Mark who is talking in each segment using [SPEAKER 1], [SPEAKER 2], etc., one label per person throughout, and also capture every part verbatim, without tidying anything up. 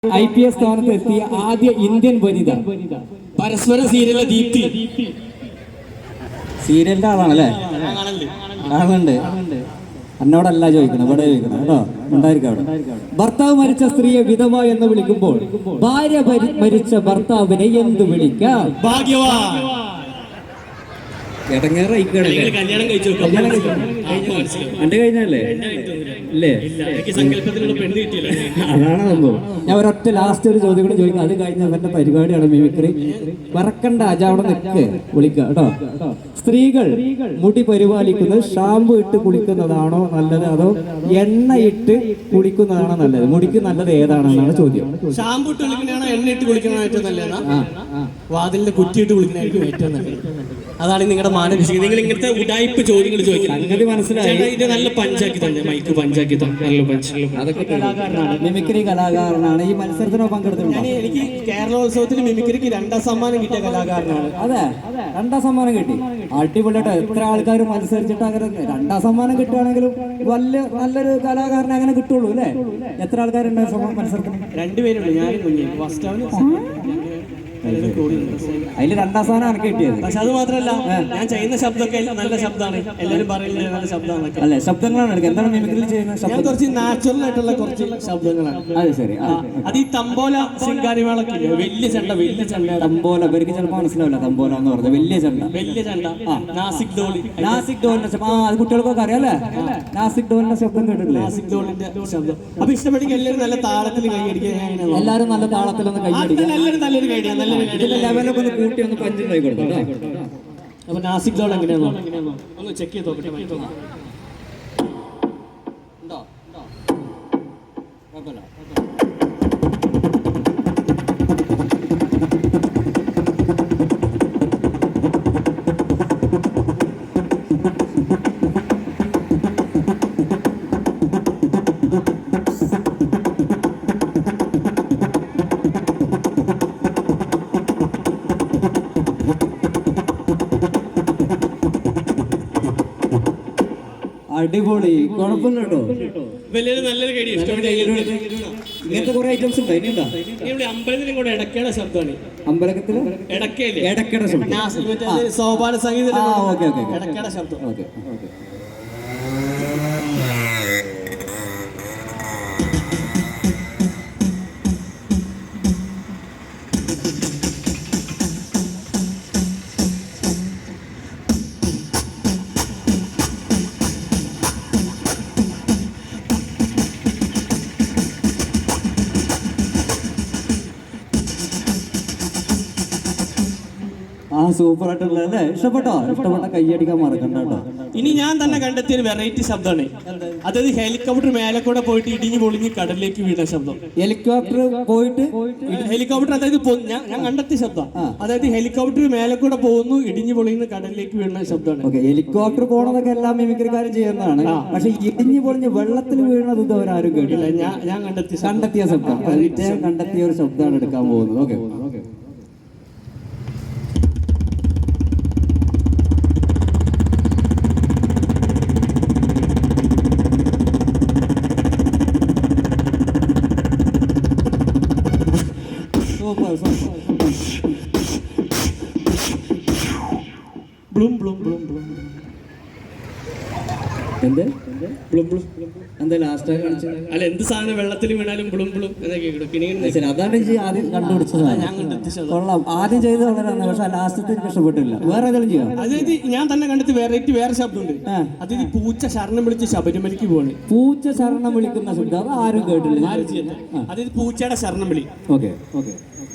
[SPEAKER 1] I P S സ്ഥാനത്ത് എത്തിയ ആദ്യ ഇന്ത്യൻ വനിത.
[SPEAKER 2] പരസ്പര സീരിയലിലെ ദീപ്തി.
[SPEAKER 1] സീരിയലിന്റെ ആളാണല്ലേ? ആളുണ്ട്. എന്നോടല്ല ചോദിക്കണം, ഇവിടെ ചോദിക്കണം കേട്ടോ. ഉണ്ടായിരിക്കും അവിടെ. ഭർത്താവ് മരിച്ച സ്ത്രീയെ വിധവ എന്ന് വിളിക്കുമ്പോൾ ഭാര്യ മരിച്ച ഭർത്താവിനെ എന്ത് വിളിക്കാം?
[SPEAKER 2] ഭാഗ്യവാൻ.
[SPEAKER 1] കല്യാണം കഴിച്ചു. എന്റെ കഴിഞ്ഞല്ലേ? ഇല്ലേ? അതാണ് സംഭവം. ഞാൻ ഒരൊറ്റ ലാസ്റ്റ് ഒരു ചോദ്യം കൂടി ചോദിക്കാം. അത് കഴിഞ്ഞ അവന്റെ പരിപാടിയാണ് മിമിക്രി. വറക്കണ്ട, അജ അവിടെ നിൽക്ക്, വിളിക്കാം കേട്ടോ. സ്ത്രീകൾ മുടി പരിപാലിക്കുന്നത് ഷാമ്പു ഇട്ട് കുളിക്കുന്നതാണോ നല്ലത്, അതോ എണ്ണ ഇട്ട് കുളിക്കുന്നതാണോ നല്ലത്? മുടിക്ക് നല്ലത് ഏതാണെന്നാണ് ചോദ്യം.
[SPEAKER 2] ഷാമ്പു ഇട്ട് കുളിക്കുന്നതാണോ എണ്ണ ഇട്ട് കുളിക്കുന്നതാണ് ഏറ്റവും നല്ലത്? വാതിലിന്റെ കുറ്റിയിട്ട് കുളിക്കുന്നതായിരിക്കും ഏറ്റവും നല്ലത്. അതാണ് നിങ്ങളുടെ മാനസിക. നിങ്ങൾ ഇങ്ങനത്തെ ഉടായ്പ ചോദ്യങ്ങൾ ചോദിക്കാം. സംഗതി മനസ്സിലായി. ഇത് നല്ല പഞ്ചാക്കി തന്നെ, മൈക്ക് പഞ്ചാക്കി നല്ല പഞ്ച്. അതൊക്കെ കലാകാരനാണ്, മിമിക്രി കലാകാരനാണ്. ഈ മത്സരത്തിനോ പങ്കെടുത്തിട്ടുണ്ട്? എനിക്ക് കേരളോത്സവത്തിന് മിമിക്രിക്ക് രണ്ടാം സമ്മാനം കിട്ടിയ കലാകാരനാണ്.
[SPEAKER 1] അതെ, രണ്ടാം സമ്മാനം കിട്ടി. അടിപൊളിയായിട്ട് എത്ര ആൾക്കാർ മത്സരിച്ചിട്ട് അങ്ങനെ രണ്ടാം സമ്മാനം കിട്ടുകയാണെങ്കിലും വലിയ നല്ലൊരു കലാകാരനെ അങ്ങനെ കിട്ടുള്ളൂ അല്ലേ? എത്ര ആൾക്കാരുണ്ട് മത്സരത്തിന്?
[SPEAKER 2] രണ്ടുപേരുണ്ട്, ഞാനും കുഞ്ഞു. ഫസ്റ്റ് അവന്
[SPEAKER 1] അതില് രണ്ടാം സ്ഥാനം എനിക്ക് കിട്ടിയത്.
[SPEAKER 2] പക്ഷെ അത് മാത്രമല്ല, ഞാൻ ചെയ്യുന്ന ശബ്ദമൊക്കെ നല്ല ശബ്ദമാണ്. എല്ലാവരും പറയുന്നത് നല്ല ശബ്ദമാണ്.
[SPEAKER 1] അല്ലെ, ശബ്ദങ്ങളാണ് എടുക്കുക. എന്താണ് മിമിക്രിയിൽ ചെയ്യുന്നത്?
[SPEAKER 2] ഞാൻ കുറച്ച് നാച്ചുറൽ ആയിട്ടുള്ള കുറച്ച് ശബ്ദങ്ങളാണ്.
[SPEAKER 1] അത് ശരി.
[SPEAKER 2] അത് ഈ തമ്പോല ശിങ്കാരിമേളൊക്കെ വലിയ ചെണ്ട, വലിയ ചെണ്ട.
[SPEAKER 1] തമ്പോല ഇവർക്ക് ചിലപ്പോൾ മനസ്സിലാവില്ല. തമ്പോല എന്ന് പറഞ്ഞത് വലിയ ചെണ്ട.
[SPEAKER 2] വലിയ ചെണ്ട. നാസിക് ഡോളി.
[SPEAKER 1] നാസിക് ഡോളിന്റെ ശബ്ദം. ആ, അത് കുട്ടികൾക്കൊക്കെ അറിയാല്ലേ? നാസിക് ഡോളിന്റെ ശബ്ദം കേട്ടിട്ടില്ലേ?
[SPEAKER 2] നാസിക് ഡോളിന്റെ ശബ്ദം. അപ്പൊ ഇഷ്ടപ്പെട്ടെങ്കിൽ എല്ലാവരും നല്ല താളത്തിൽ കൈയടിക്കുക.
[SPEAKER 1] എല്ലാവരും നല്ല താളത്തിലൊന്ന് കൈയടിക്കുക.
[SPEAKER 2] എല്ലാവരും നല്ലൊരു കൈയടിക്കുക. നല്ല
[SPEAKER 1] ലെവലൊക്കെ ഒന്ന് കൂട്ടി ഒന്ന് പഞ്ചുണ്ടായി കൊടുത്തു.
[SPEAKER 2] അപ്പൊ നാസിക് ഡോൾ എങ്ങനെയാണോ ഒന്ന് ചെക്ക് ചെയ്ത് നോക്കട്ടെ.
[SPEAKER 1] അടിപൊളി, കുഴപ്പമില്ല കേട്ടോ.
[SPEAKER 2] നല്ലൊരു കൈ.
[SPEAKER 1] ഇങ്ങനത്തെ കുറെ ഐറ്റംസ് ഉണ്ട്. ഇനിയുണ്ടോ?
[SPEAKER 2] ഇവിടെ അമ്പലത്തിലും കൂടെ ഇടയ്ക്കയുടെ ശബ്ദമാണ്.
[SPEAKER 1] അമ്പലത്തില്
[SPEAKER 2] ഇടയ്ക്കയില്ലേ?
[SPEAKER 1] ഇടയ്ക്കയുടെ ശബ്ദം.
[SPEAKER 2] സോപാന സംഗീതം.
[SPEAKER 1] Okay okay.
[SPEAKER 2] ഇടയ്ക്കയുടെ ശബ്ദം.
[SPEAKER 1] Okay okay. ആ, സൂപ്പർ ആയിട്ടുള്ള അല്ലേ? ഇഷ്ടപ്പെട്ടോ? ഇഷ്ടപ്പെട്ട കൈയടിക്കാൻ മറക്കണ്ട കേട്ടോ.
[SPEAKER 2] ഇനി ഞാൻ തന്നെ കണ്ടെത്തിയ ഒരു വെറൈറ്റി ശബ്ദമാണ്. അതായത് ഹെലികോപ്റ്റർ മേലെ കൂടെ പോയിട്ട് ഇടിഞ്ഞു പൊളിഞ്ഞ് കടലിലേക്ക് വീണ ശബ്ദം.
[SPEAKER 1] ഹെലികോപ്റ്റർ പോയിട്ട്
[SPEAKER 2] ഹെലികോപ്റ്റർ അതായത് ഞാൻ കണ്ടെത്തിയ ശബ്ദം. അതായത് ഹെലികോപ്റ്റർ മേലെ കൂടെ പോകുന്നു, ഇടിഞ്ഞു പൊളിഞ്ഞ് കടലിലേക്ക് വീണ ശബ്ദമാണ്.
[SPEAKER 1] ഹെലികോപ്റ്റർ പോണതൊക്കെ എല്ലാം മിമിക്രിക്കാരും ചെയ്യുന്നതാണ്. പക്ഷെ ഇടിഞ്ഞു പൊളിഞ്ഞ് വെള്ളത്തിൽ വീണത് ഇതുവരെ ആരും കേട്ടില്ല.
[SPEAKER 2] ഞാൻ ഞാൻ കണ്ടെത്തിയ
[SPEAKER 1] കണ്ടെത്തിയ ശബ്ദം കണ്ടെത്തിയ ഒരു ശബ്ദമാണ് എടുക്കാൻ പോകുന്നത്. Okay okay.
[SPEAKER 2] Bloom bloom bloom bloom.
[SPEAKER 1] എന്ത്
[SPEAKER 2] ബ്ലൂം ബ്ലൂം?
[SPEAKER 1] എന്താ ലാസ്റ്റ് കാണിച്ചത്?
[SPEAKER 2] അല്ല, എന്ത് സാധനം വെള്ളത്തിൽ വീണാലും ബ്ലൂം ബ്ലൂം എന്നൊക്കെ
[SPEAKER 1] ശരി. അതാണ് ആദ്യം കണ്ടുപിടിച്ചത്. കൊള്ളാം. ആദ്യം ചെയ്ത് വളരെ, പക്ഷെ ലാസ്റ്റത്തെ എനിക്ക് ഇഷ്ടപ്പെട്ടില്ല. വേറെ ഏതെങ്കിലും ചെയ്യാം?
[SPEAKER 2] അതായത് ഞാൻ തന്നെ കണ്ടെത്തി വെറൈറ്റി വേറെ ശബ്ദമുണ്ട്. അതായത് പൂച്ച ശരണം വിളിച്ച് ശബരിമലയ്ക്ക് പോവാണ്.
[SPEAKER 1] പൂച്ച ശരണം വിളിക്കുന്ന ശബ്ദം അത് ആരും കേട്ടില്ല.
[SPEAKER 2] ആരും ചെയ്യുന്നത്. അതായത് പൂച്ചയുടെ ശരണം വിളി.
[SPEAKER 1] Okay okay.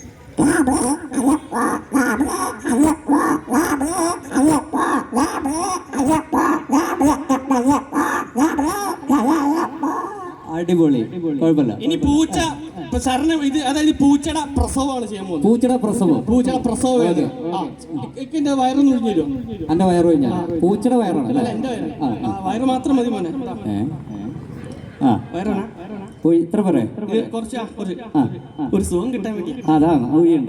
[SPEAKER 1] അടിപൊളി, കുഴപ്പമില്ല.
[SPEAKER 2] ഇനി പൂച്ച ശരണം ഇത് അതായത് പൂച്ചയുടെ പ്രസവമാണ് ചെയ്യാൻ പോകുന്നത്.
[SPEAKER 1] പൂച്ചയുടെ പ്രസവം.
[SPEAKER 2] പൂച്ചയുടെ പ്രസവം ഏത്? എന്റെ വയറൊന്നും ഒഴിഞ്ഞു തരുമോ?
[SPEAKER 1] എന്റെ വയറ് കഴിഞ്ഞാൽ പൂച്ചയുടെ വയറാണ്.
[SPEAKER 2] എന്റെ വയറ് വയറ് മാത്രം മതി മോനെ.
[SPEAKER 1] ആ,
[SPEAKER 2] വയറാണ്.
[SPEAKER 1] ഇത്ര പറ
[SPEAKER 2] കുറച്ച് ഒരു സുഖം കിട്ടാൻ വേണ്ടി.
[SPEAKER 1] അതാണ് ഊഴിയുണ്ട്.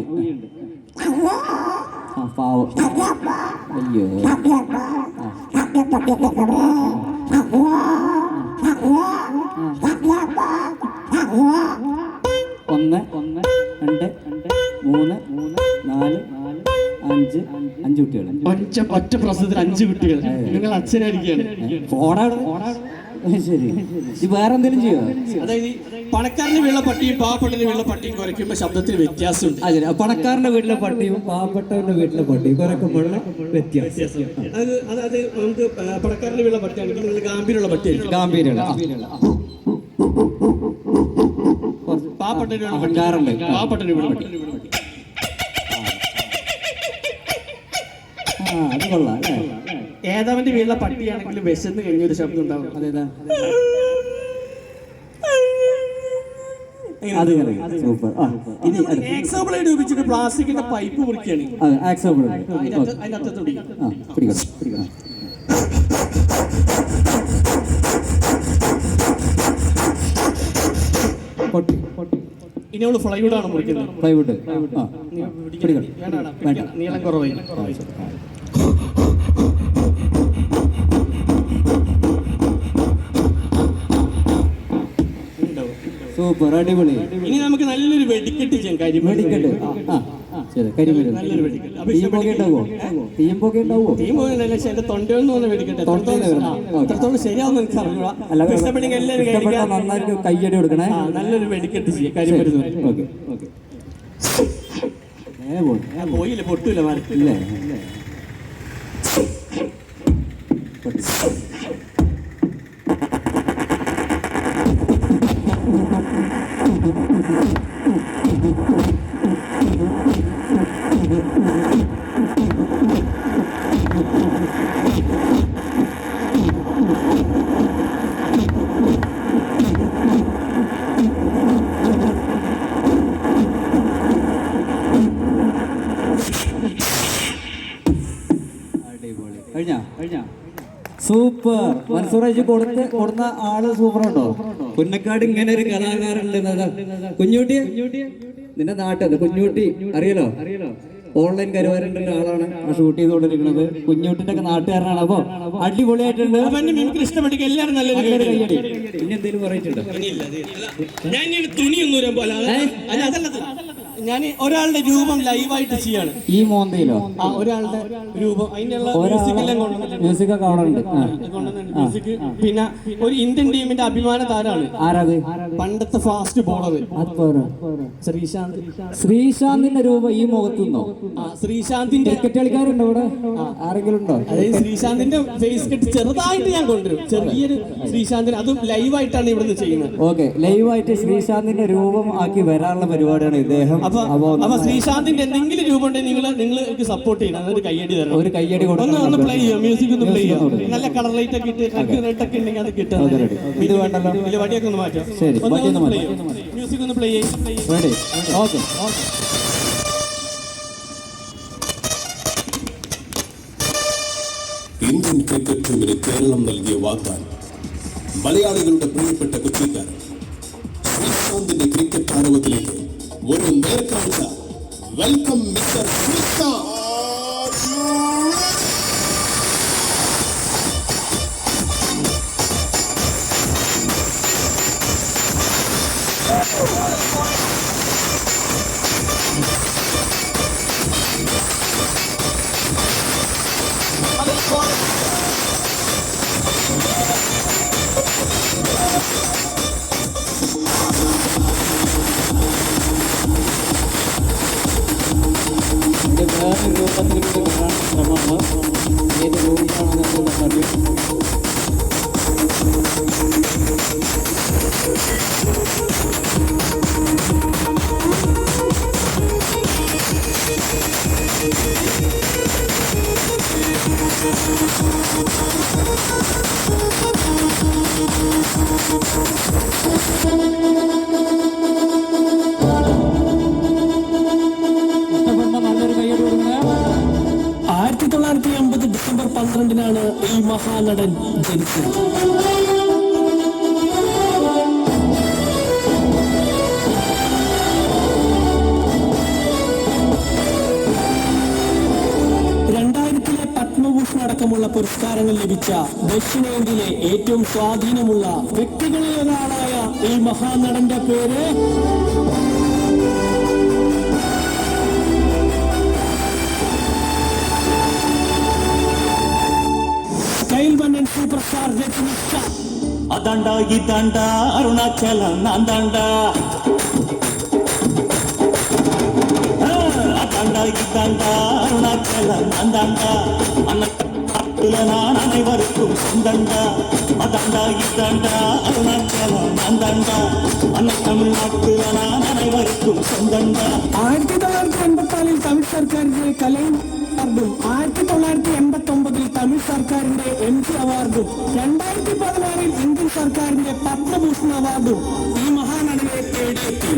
[SPEAKER 1] പാവം. അയ്യോ. ഒന്ന് ഒന്ന് രണ്ട് രണ്ട് മൂന്ന് മൂന്ന് നാല് നാല് അഞ്ച് അഞ്ച് കുട്ടികൾ.
[SPEAKER 2] ഒറ്റ ഒറ്റ പ്രസവത്തിൽ അഞ്ച് കുട്ടികൾ. നിങ്ങൾ അച്ഛനായിരിക്കുകയാണ്.
[SPEAKER 1] ശരി, ഈ വേറെ എന്തെങ്കിലും ചെയ്യോ?
[SPEAKER 2] അതായത് പണക്കാരന്റെ വീട്ടിലെ പട്ടിയും പാവപ്പെട്ടവന്റെ വീട്ടിലെ പട്ടിയും കുറയ്ക്കുമ്പോൾ ശബ്ദത്തിന് വ്യത്യാസമുണ്ട്.
[SPEAKER 1] അതെ, പണക്കാരന്റെ വീട്ടിലെ പട്ടിയും പാവപ്പെട്ടവന്റെ വീട്ടിലെ പട്ടിയും കുറയ്ക്കുമ്പോഴുള്ള വ്യത്യാസം.
[SPEAKER 2] അത് അതായത് നമുക്ക് പണക്കാരന്റെ വീട്ടിലെ പട്ടിയാണെങ്കിൽ നിങ്ങൾ ഗാംഭീര്യമുള്ള പട്ടിയായിരിക്കും.
[SPEAKER 1] ഗാംഭീര്യമുള്ള
[SPEAKER 2] പാവപ്പെട്ടവരുടെ
[SPEAKER 1] പണക്കാരുണ്ട്,
[SPEAKER 2] പാവപ്പെട്ടവന്റെ വീട്ടിലെ പട്ടി.
[SPEAKER 1] ആ, അത് കൊള്ളാം അല്ലേ?
[SPEAKER 2] ഏതാവന്റെ വീട്ടിലെ പട്ടിയാണെങ്കിലും വിശന്ന് കഴിഞ്ഞൊരു ശബ്ദം ഉണ്ടാവും.
[SPEAKER 1] അതേതാ? അത് സൂപ്പർ. ഇനി
[SPEAKER 2] എക്സാമ്പിളായിട്ട് ഉപയോഗിച്ചിട്ട് പ്ലാസ്റ്റിക്കിന്റെ പൈപ്പ് മുറിക്കുകയാണ്. അതിന്റെ അറ്റത്തോടി ഇനി അവള് ഫ്ലൈവുഡ് ആണ് മുറിക്കുന്നത്.
[SPEAKER 1] ഫ്ലൈവുഡ്
[SPEAKER 2] നീളം കുറവായി.
[SPEAKER 1] സൂപ്പർ, അടിപൊളി.
[SPEAKER 2] ഇനി നമുക്ക് നല്ലൊരു വെടിക്കെട്ട് ചെയ്യാം.
[SPEAKER 1] വെടിക്കെട്ട്, കരിമരുന്ന്.
[SPEAKER 2] നല്ലൊരു വെടിക്കെട്ട്.
[SPEAKER 1] ഉണ്ടാവോ? തീയും പോകെ ഉണ്ടാവോ?
[SPEAKER 2] തീയും പോകല്ല, പക്ഷെ എന്റെ തൊണ്ടയൊന്നും ഒന്ന് വെടിക്കെട്ടെ. എത്രത്തോളം ശരിയാവുന്ന എനിക്ക് അറിഞ്ഞൂടാ.
[SPEAKER 1] നന്നായിട്ട് കയ്യടി കൊടുക്കണേ.
[SPEAKER 2] നല്ലൊരു വെടിക്കെട്ട് ചെയ്യാം. കരിമരുന്ന് പോയില്ല, പൊട്ടൂല മരത്തില്ലേ. സൂപ്പർ. മൻസൂറേജ് കൊടുത്ത് കൊടുന്ന ആള് സൂപ്പർ ഉണ്ടോ? പുന്നക്കാട് ഇങ്ങനെ ഒരു കലാകാരുണ്ട്. കുഞ്ഞൂട്ടി, നിന്റെ നാട്ടത് കുഞ്ഞൂട്ടി അറിയലോ? ഓൺലൈൻ കരുവാരൻ്റെ ആളാണ് ആ ഷൂട്ട് ചെയ്തുകൊണ്ടിരിക്കുന്നത്. കുഞ്ഞൂട്ടിന്റെ ഒക്കെ നാട്ടുകാരനാണ്. അപ്പൊ അടിപൊളിയായിട്ടുണ്ട്. ഇഷ്ടപ്പെട്ടെങ്കിൽ എല്ലാവരും നല്ലൊരു
[SPEAKER 1] കയ്യടി. പിന്നെ എന്തെങ്കിലും പറയിട്ടുണ്ട്?
[SPEAKER 2] ഞാൻ തുണിയൊന്നും പോലെ ഞാൻ ഒരാളുടെ രൂപം ലൈവായിട്ട് ചെയ്യാണ്.
[SPEAKER 1] ഈ മോന്തയിലോ?
[SPEAKER 2] ആ, ഒരാളുടെ രൂപം അതിനുള്ള
[SPEAKER 1] മ്യൂസിക് ഒക്കെ അവിടെ ഉണ്ട്.
[SPEAKER 2] മ്യൂസിക്. പിന്നെ ഒരു ഇന്ത്യൻ ടീമിന്റെ അഭിമാന താരമാണ്.
[SPEAKER 1] ആരാത്?
[SPEAKER 2] പണ്ടത്തെ ഫാസ്റ്റ് ബോളർ ശ്രീശാന്ത്.
[SPEAKER 1] ശ്രീശാന്തിന്റെ രൂപം ഈ മുഖത്തുനിന്നോ?
[SPEAKER 2] ശ്രീശാന്തിന്റെ
[SPEAKER 1] ക്രിക്കറ്റ് കളിക്കാരുണ്ടോ ഇവിടെ? ആരെങ്കിലും ഉണ്ടോ?
[SPEAKER 2] അതായത് ശ്രീശാന്തിന്റെ ഫേസ് കെട്ട് ചെറുതായിട്ട് ഞാൻ കൊണ്ടുവരും. ചെറിയൊരു ശ്രീശാന്തിന്, അതും ലൈവായിട്ടാണ് ഇവിടുന്ന് ചെയ്യുന്നത്.
[SPEAKER 1] ഓക്കെ, ലൈവായിട്ട് ശ്രീശാന്തിന്റെ രൂപം ആക്കി വരാനുള്ള പരിപാടിയാണ് ഇദ്ദേഹം.
[SPEAKER 2] അപ്പൊ ശ്രീശാന്തിന്റെ എന്തെങ്കിലും രൂപം ഉണ്ടെങ്കിൽ നിങ്ങൾ നിങ്ങൾ സപ്പോർട്ട് ചെയ്യണം. അതൊരു കയ്യടി തരണം.
[SPEAKER 1] ഒരു കയ്യടി
[SPEAKER 2] ഒന്ന് ഒന്ന് പ്ലേ ചെയ്യാം. മ്യൂസിക് ഒന്ന് പ്ലേ ചെയ്യാം. നല്ല കളർ ലൈറ്റ് ഒക്കെ ഇട്ട് റെഡ് ഒക്കെ ഉണ്ടെങ്കിൽ അത് കിട്ടാം.
[SPEAKER 1] ഇത് വേണ്ടല്ലോ.
[SPEAKER 2] ഇല്ല, വടിയൊക്കെ ഒന്ന് മാറ്റാം.
[SPEAKER 1] ശരി,
[SPEAKER 2] മ്യൂസിക് ഒന്ന് പ്ലേ ചെയ്യാം.
[SPEAKER 1] ഓക്കെ.
[SPEAKER 3] ഇന്ത്യൻ ക്രിക്കറ്റ് ടീമിന് കേരളം നൽകിയ വാഗ്ദാനം. മലയാളികളുടെ പ്രിയപ്പെട്ട കൊച്ചിക്കാരൻ ശ്രീശാന്തിന്റെ ക്രിക്കറ്റ് ആരവത്തിലേക്ക് ഒരു നേർക്കാഴ്ച. Welcome mister Sreesanth.
[SPEAKER 1] വേറെ രൂപത്തിൽ കൂടി വരാൻ ശ്രമമാണ്. ഏത് രൂപമാണെന്ന് അറിയാം.
[SPEAKER 2] ആയിരത്തി തൊള്ളായിരത്തി അമ്പത് ഡിസംബർ പന്ത്രണ്ടിനാണ് ഈ മഹാനടൻ ജനിച്ചത്. രണ്ടായിരത്തിലെ പത്മഭൂഷൺ അടക്കമുള്ള പുരസ്കാരങ്ങൾ ലഭിച്ച ദക്ഷിണേന്ത്യയിലെ ഏറ്റവും സ്വാധീനമുള്ള വ്യക്തികളിൽ ഒരാളായ ഈ മഹാനടന്റെ പേര്
[SPEAKER 4] അതാണ്ടാ ഇതാണ്ടാ അരുണാചലം നാന്താണ്ടാ அதாண்டா இதாண்டா அருணாச்சலம் அந்தாண்டா அண்ணாட்டுல நான் அனைவருக்கும் சொந்தண்டா அதாண்டா இதாண்டா அருணாச்சலம் அந்தாண்டா அண்ணா தமிழ்நாட்டுல நான் அனைவருக்கும் சொந்தண்டா.
[SPEAKER 5] ആയിരത്തി തൊള്ളായിരത്തി എൺപത്തി നാലിൽ തമിഴ് സർക്കാരിന്റെ കലൈൻ അവാർഡും ആയിരത്തി തൊള്ളായിരത്തി എൺപത്തി ഒമ്പതിൽ തമിഴ് സർക്കാരിന്റെ എം ജി അവാർഡും രണ്ടായിരത്തി പതിനാറിൽ ഇന്ത്യൻ സർക്കാരിന്റെ പത്മഭൂഷൺ അവാർഡും ഈ മഹാനടിയെ തേടിയെത്തി.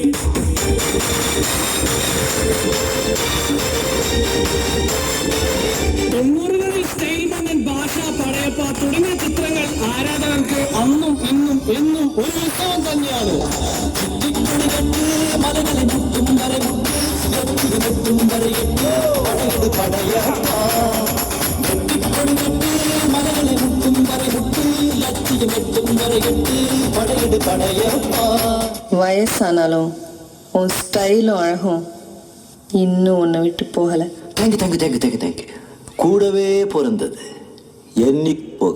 [SPEAKER 5] തൊണ്ണൂറുകളിൽ സ്റ്റൈൽ മന്നൻ, ഭാഷ, പടയപ്പ തുടങ്ങിയ ചിത്രങ്ങൾ ആരാധകർക്ക് അന്നും ഇന്നും എന്നും ഒരു ഉത്സവം തന്നെയാണ്.
[SPEAKER 6] வயசானாலும் உன் ஸ்டைலும் அழகும் இன்னும் உன்னை விட்டு போகல.
[SPEAKER 7] Thank you thank you thank you thank you thank you. கூடவே பிறந்தது எண்ணி போக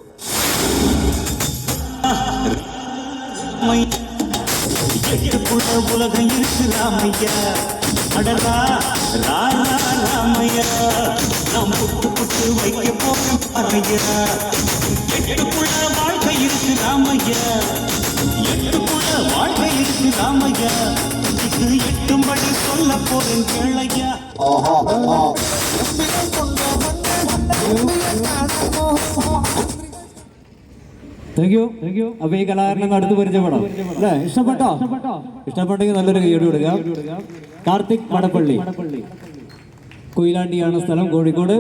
[SPEAKER 4] எட்டுக்குள்ள உலகம் இருக்கு ராமையா, அடரா ராரா ராமையா, நாம் புட்டு புட்டு வைக்க போறோம் பாரையா. எட்டுக்குள்ள வாழ்க்கை இருக்கு ராமையா, எட்டுக்குள்ள வாழ்க்கை இருக்கு ராமையா, இது எட்டும்படி சொல்ல போறேன் கேளையா.
[SPEAKER 1] Thank you thank you. അപ്പൊ ഈ കലാകാരനെ അടുത്ത് പരിചയപ്പെടാം അല്ലേ? ഇഷ്ടപ്പെട്ടോ? ഇഷ്ടപ്പെട്ടെങ്കിൽ നല്ലൊരു കൈയ്യടി കൊടുക്കുക. കാർത്തിക് മടപ്പള്ളി, കൊയിലാണ്ടിയാണ് സ്ഥലം, കോഴിക്കോട്.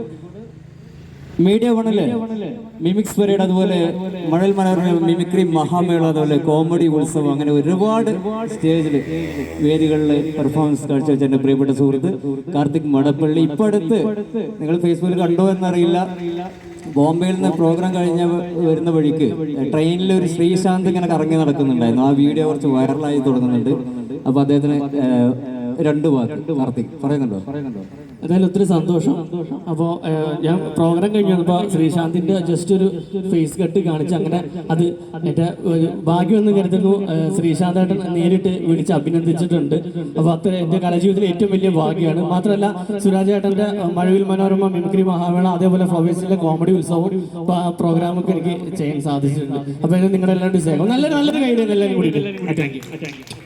[SPEAKER 1] മീഡിയ വണ്ണില് മിമിക്സ് പരേഡ്, അതുപോലെ മഴൽ മനോരമ മിമിക്രി മഹാമേള, അതുപോലെ കോമഡി ഉത്സവം, അങ്ങനെ ഒരുപാട് സ്റ്റേജിൽ വേദികളിൽ പെർഫോമൻസ് കാഴ്ചവെച്ച എൻ്റെ പ്രിയപ്പെട്ട സുഹൃത്ത് കാർത്തിക് മടപ്പള്ളി. ഇപ്പൊ അടുത്ത് നിങ്ങൾ ഫേസ്ബുക്കിൽ കണ്ടോ എന്നറിയില്ല, ബോംബെയിൽ നിന്ന് പ്രോഗ്രാം കഴിഞ്ഞ വരുന്ന വഴിക്ക് ട്രെയിനിൽ ഒരു ശ്രീശാന്ത് ഇങ്ങനെ കറങ്ങി നടക്കുന്നുണ്ടായിരുന്നു. ആ വീഡിയോ കുറച്ച് വൈറലായി തുടങ്ങുന്നുണ്ട്. അപ്പൊ അദ്ദേഹത്തിന് രണ്ടു വാക്ക് കാർത്തിക് പറയുന്നുണ്ടോ? പറയുന്നുണ്ടോ?
[SPEAKER 2] എന്തായാലും ഒത്തിരി സന്തോഷം. അപ്പോൾ ഞാൻ പ്രോഗ്രാം കഴിഞ്ഞ് വന്നപ്പോൾ ശ്രീശാന്തിന്റെ ജസ്റ്റ് ഒരു ഫേസ് കട്ട് കാണിച്ച് അങ്ങനെ അത് എൻ്റെ ഭാഗ്യമെന്ന് കരുതുന്നു. ശ്രീശാന്തായിട്ട് നേരിട്ട് വിളിച്ച് അഭിനന്ദിച്ചിട്ടുണ്ട്. അപ്പോൾ അത്ര എൻ്റെ കലാജീവിതത്തിലെ ഏറ്റവും വലിയ ഭാഗ്യമാണ്. മാത്രമല്ല സുരാജേട്ടൻ്റെ മഴവിൽ മനോരമ മിമിക്രി മഹാമേള, അതേപോലെ ഫ്ലവേഴ്സിലെ കോമഡി ഉത്സവം പ്രോഗ്രാമൊക്കെ എനിക്ക് ചെയ്യാൻ സാധിച്ചിട്ടുണ്ട്. അപ്പോൾ നിങ്ങളുടെ എല്ലാവരുടെയും സ്നേഹം നല്ലൊരു നല്ലൊരു കൈ എല്ലാവരും കൂടി. Thank U.